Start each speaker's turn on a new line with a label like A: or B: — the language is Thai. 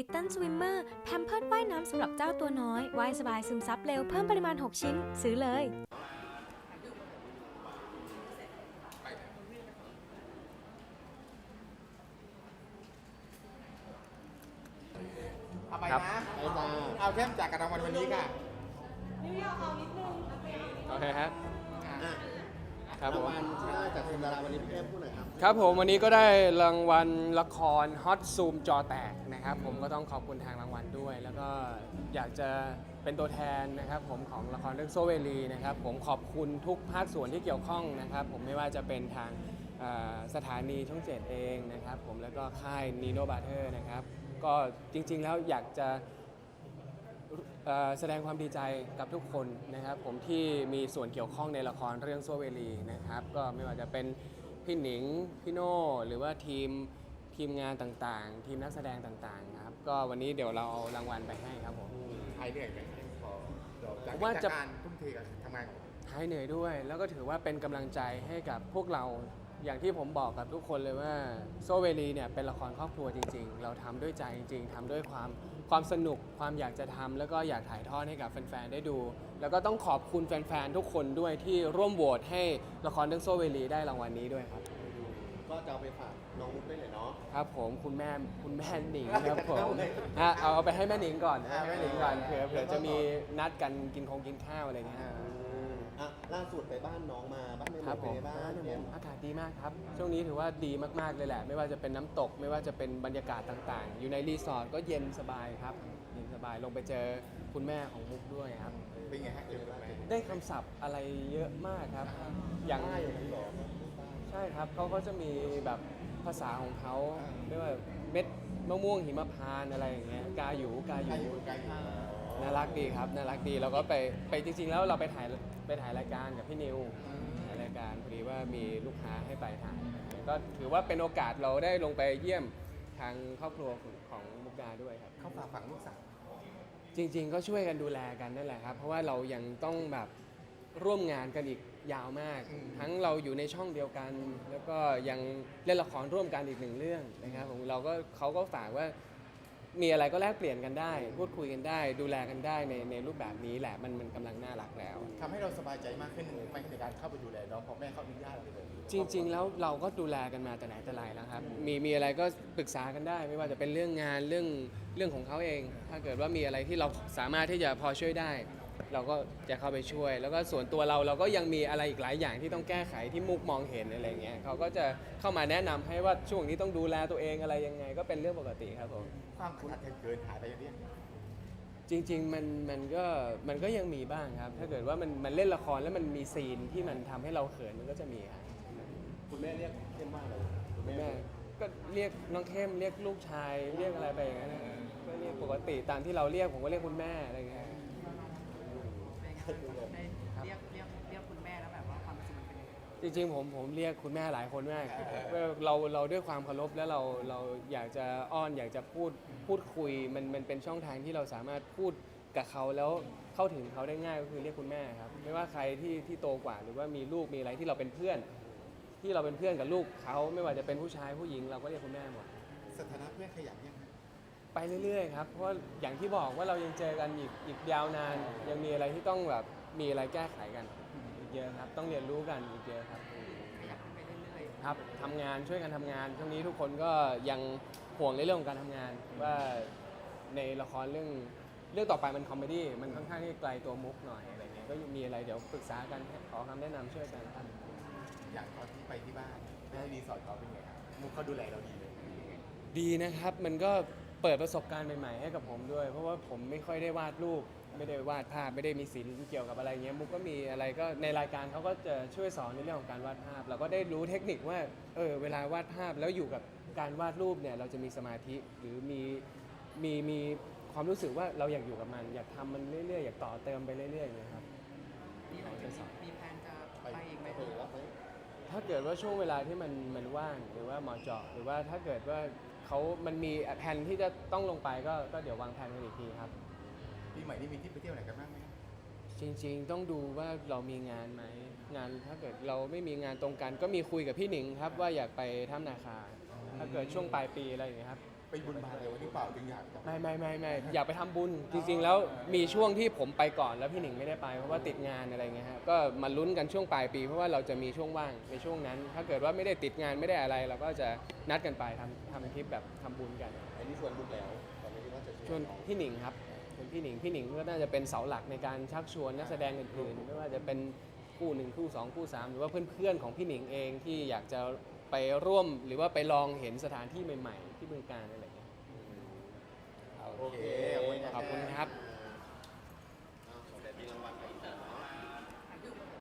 A: Little Swimmer แพมเพิร์สว่ายน้ำสำหรับเจ้าตัวน้อยว่ายสบายซึมซับเร็วเพิ่มปริมาณ 6 ชิ้น ซื้อเลย
B: เอาไปนะเอาเข้มจากการรางวัลวันนี้ค่ะ
C: โอเคครับครับผม
D: รางวัลชนะจากทีมดาราวันนี้พี่เข้มพูดหน่อยครับ
C: ครับผมวันนี้ก็ได้รางวัลละครฮอตซูมจอแตกนะครับผมก็ต้องขอบคุณทางรางวัลด้วย แล้วก็อยากจะเป็นตัวแทนนะครับผมของละครเรื่องโซเวลีนะครับผมขอบคุณทุกภาคส่วนที่เกี่ยวข้องนะครับผมไม่ว่าจะเป็นทางสถานีช่องเจ็ดเองนะครับผมแล้วก็ค่ายนีโนบาเทอร์นะครับก็จริงๆแล้วอยากจะแสดงความดีใจกับทุกคนนะครับผมที่มีส่วนเกี่ยวข้องในละครเรื่องโซเวลีนะครับก็ไม่ว่าจะเป็นพี่หนิงพี่โน่หรือว่าทีมงานต่างๆ ทีมนักแสดงต่างๆครับก็วันนี้เดี๋ยวเราเอารางวัลไปให้ครับผม
B: ใครเหนื่อยไหมพอจาก
C: ว่าจะ
B: การทุ่มเทกับทำงานของ
C: หายเหนื่อยด้วย แล้วก็ถือว่าเป็นกำลังใจให้กับพวกเราอย่างที่ผมบอกกับทุกคนเลยว่าโซเวลีเนี่ยเป็นละครครอบครัวจริงๆเราทำด้วยใจจริงๆทำด้วยความสนุกความอยากจะทำแล้วก็อยากถ่ายทอดให้กับแฟนๆได้ดู แล้วก็ต้องขอบคุณแฟนๆทุกคนด้วยที่ร่วมโหวตให้ละครเรื่องโซเวลีได้รางวัลนี้ด้วยครับ
D: ก็จะเอาไปฝากน้องมุกได้เลยเนาะ
C: ครับผมคุณแม่หนิงครับผมเอาไปให้แม่หนิงก่อนนะแม่หนิงก่อนเผื่อจะมีนัดกันกินข้าวอะไรเงี้ย
D: ล่าสุดไปบ้านน้องมาบ้านใน
C: ครับ
D: เมื
C: ผ
D: อง
C: ม
D: เป็นไงบ้างเข้ม
C: อากาศดีมากครับ ช่วงนี้ถือว่าดีมากๆเลยแหละ ไม่ว่าจะเป็นน้ำตก ไม่ว่าจะเป็นบรรยากาศต่างๆ อยู่ในรีสอร์ทก็เย็นสบายครับ เย็นสบาย ลงไปเจอคุณแม่ของมุกด้วยครับ
B: เป็นไงฮะเจอไหม
C: ได้คำศัพท์อะไรเยอะมากครับ อย่าง
D: ใต้อย่างนั้นเหรอ
C: ใช่ครับเขาก็จะมีแบบภาษาของเขาเรียกว่าเม็ดมะม่วงหิมพานต์อะไรอย่างเงี้ย กาหยู
B: ไกลอยู่
C: น่ารักดีครับ น่ารักดี แล้วก็ไปจริงๆ แล้วเราไปถ่ายรายการกับพี่นิว รายการพอดีว่ามีลูกค้าให้ไปถ่ายก็ถือว่าเป็นโอกาสเราได้ลงไปเยี่ยมทางครอบครัวของมุกดาด้วยครับ
B: เขาฝากฝังลูกสาว
C: จริงๆก็ช่วยกันดูแลกันนั่นแหละครับเพราะว่าเรายังต้องแบบร่วมงานกันอีกยาวมาก ทั้งเราอยู่ในช่องเดียวกัน แล้วก็ยังเล่นละครร่วมกันอีกหนึ่งเรื่องนะครับผมเขาก็ฝากว่ามีอะไรก็แลกเปลี่ยนกันได้ พูดคุยกันได้ ดูแลกันได้ในรูปแบบนี้แหละมันกำลังน่ารักแล้ว
B: ทำให้เราสบายใจมากขึ้นไหมในการเข้าไปดูแลน้องพอแม่เขาอนุญาตเราเลย
C: จริงๆ แล้วเราก็ดูแลกันมาแต่ไหนแต่ไรแล้วครับ มีอะไรก็ปรึกษากันได้ ไม่ว่าจะเป็นเรื่องงานเรื่องของเขาเอง ถ้าเกิดว่ามีอะไรที่เราสามารถที่จะพอช่วยได้ เราก็จะเข้าไปช่วย แล้วก็ส่วนตัวเราก็ยังมีอะไรอีกหลายอย่างที่ต้องแก้ไขที่มุกมองเห็นอะไรเงี้ยเขาก็จะเข้ามาแนะนำให้ว่าช่วงนี้ต้องดูแลตัวเองอะไรยังไง ก็เป็นเรื่องปกติครับผม
B: ความขุ่นอัดเกินหายไปอย่างนี้
C: จริงๆ มันก็ยังมีบ้างครับ ถ้าเกิดว่ามันเล่นละครแล้วมันมีซีนที่มันทำให้เราเขินมันก็จะมีครับ
D: คุณแม่เรียกเข้มว่าอะไรคุณ
C: แม่ก็เรียกน้องเข้มเรียกลูกชายเรียกอะไรไปอย่างนั้นนะก็เรียกปกติตามที่เราเรียกผมก็เรียกคุณแม่อะไรเงี้ย
E: เรียกคุณแม่แล้วแบบว่าความรู้สึกมันเป็นยังไง
C: จริงๆผมเรียกคุณแม่หลายคนมากเราด้วยความเคารพแล้วเราอยากจะอ้อนอยากจะพูดคุยมันเป็นช่องทางที่เราสามารถพูดกับเขาแล้วเข้าถึงเขาได้ง่ายก็คือเรียกคุณแม่ครับไม่ว่าใครที่โตกว่าหรือว่ามีลูกมีอะไรที่เราเป็นเพื่อนกับลูกเขาไม่ว่าจะเป็นผู้ชายผู้หญิงเราก็เรียกคุณแม่หมด
B: สถานะเพื่อนขยับยัง
C: ไปเรื่อยๆครับเพราะว่าอย่างที่บอกว่าเรายังเจอกันอีกยาวนานยังมีอะไรที่ต้องแบบมีอะไรแก้ไขกันอีกเยอะครับต้องเรียนรู้กันอีกเยอะครับ
E: ขยับไปเรื่อย
C: ครับทำงานช่วยกันทำงานช่วงนี้ทุกคนก็ยังห่วงในเรื่องของการทำงานว่าในละครเรื่องต่อไปมันคอมเมดี้มันค่อนข้างที่ไกลตัวมุกหน่อยอะไรเงี้ยก็มีอะไรเดี๋ยวปรึกษากันขอคำแนะนำช่วยกันครับ
B: อย่างตอนที่ไปที่บ้านที่รีสอร์ทเขาเป็นไงครับมุกเขาดูแลเราดีเลย
C: ดีนะครับมันก็เปิดประสบการณ์ใหม่ๆให้กับผมด้วย เพราะว่าผมไม่ค่อยได้วาดรูปไม่ได้วาดภาพไม่ได้มีศิลป์เกี่ยวกับอะไรเงี้ยมุกก็มีอะไรก็ในรายการเขาก็จะช่วยสอนในเรื่องของการวาดภาพ เราก็ได้รู้เทคนิคว่าเวลาวาดภาพแล้วอยู่กับการวาดรูปเนี่ยเราจะมีสมาธิหรือมีความรู้สึกว่าเราอยากอยู่กับมัน อยากทำมันเรื่อยๆอยากต่อเติมไปเรื่อยๆอย่างเงี้ยครับ
E: ๆมีแพลนจะไปอีกไหม
D: ไปรับไหม
C: ถ้าเกิดว่าช่วงเวลาที่มันว่างหรือว่าเหมาะเจาะหรือว่าถ้าเกิดว่ามันมีแผนที่จะต้องลงไปก็เดี๋ยววางแผนกันอีกทีครับ
B: ปีใหม่นี่มีที่ไปเที่ยวไหนกันบ้างไหม
C: จริงๆต้องดูว่าเรามีงานไหมงานถ้าเกิดเราไม่มีงานตรงกัน ก็มีคุยกับพี่หนิงครับว่าอยากไปถ้ำนาคาถ้าเกิดช่วงปลายปีอะไรอย่างเงี้ยครับ
B: ไปบุญบาอะไรวะที่เปล่าจึงอยากจะ
C: ไม่อยากไปทำบุญจริงๆแล้วมีช่วงที่ผมไปก่อนแล้วพี่หนิงไม่ได้ไปเพราะว่าติดงานอะไรเงี้ยฮะก็มาลุ้นกันช่วงปลายปีเพราะว่าเราจะมีช่วงว่างในช่วงนั้น ถ้าเกิดว่าไม่ได้ติดงานไม่ได้อะไร เราก็จะนัดกันไปทำคลิปแบบทำบุญกัน
D: อันนี้ชวนลูกแล้วตอนนี้ว่าจะ
C: ชวนพี่หนิงครับเป็นพี่หนิงก็น่าจะเป็นเสาหลักในการชักชวนนักแสดงอื่นๆไม่ว่าจะเป็นคู่1คู่2คู่3หรือว่าเพื่อนๆของพี่หนิงเองที่อยากจะไปร่วมหรือว่าไปลองเห็นสถานที่ใหม่ๆที่บึงกาฬอะไรอย่างเงี้ย
B: โอเค
C: ขอบคุณครับ
D: ขอแต่มีรางวัลไป